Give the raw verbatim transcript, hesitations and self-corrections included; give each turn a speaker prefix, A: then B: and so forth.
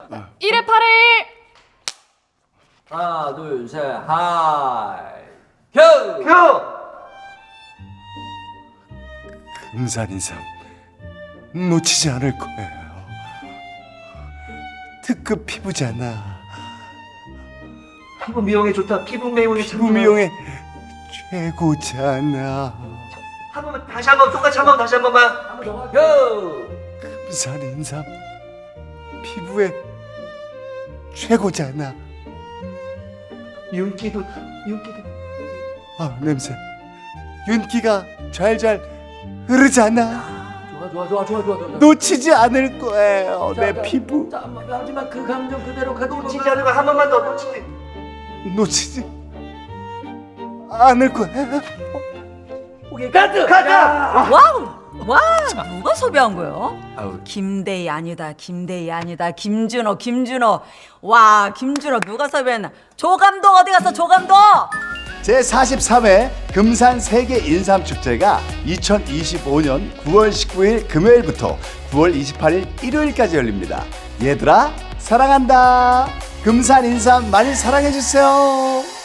A: 일 회 팔 회.
B: 하나 둘 셋 하이 큐! 큐!
C: 금산인삼 놓치지 않을 거예요. 특급 피부잖아.
D: 피부 미용에 좋다. 피부 미용에
C: 피부 미용에 최고잖아.
D: 한 번만 다시 한 번 똑같이 한 번 다시 한 번만.
B: 큐!
C: 금산인삼 피부에 최고잖아.
D: 윤기도 윤기도.
C: 아 냄새. 윤기가 잘잘 흐르잖아.
B: 좋아 좋아 좋아 좋아 좋아 좋아.
C: 놓치지 않을 거예요.
B: 자,
C: 내
B: 자,
C: 피부
B: 자, 하지만 그 감정 그대로 가지고
D: 놓치지 않는 거한 번만 더 놓치지.
C: 놓치지 않을 거예요.
B: 오케이 카드!
D: 가자.
E: 와우! 와, 누가 섭외한 거예요? 김대희 아니다, 김대희 아니다, 김준호, 김준호. 와, 김준호 누가 섭외했나? 조 감독 어디 갔어, 조 감독?
C: 제사십삼 회 금산 세계 인삼 축제가 이천이십오 년 구월 십구 일 금요일부터 구월 이십팔 일 일요일까지 열립니다. 얘들아 사랑한다. 금산 인삼 많이 사랑해 주세요.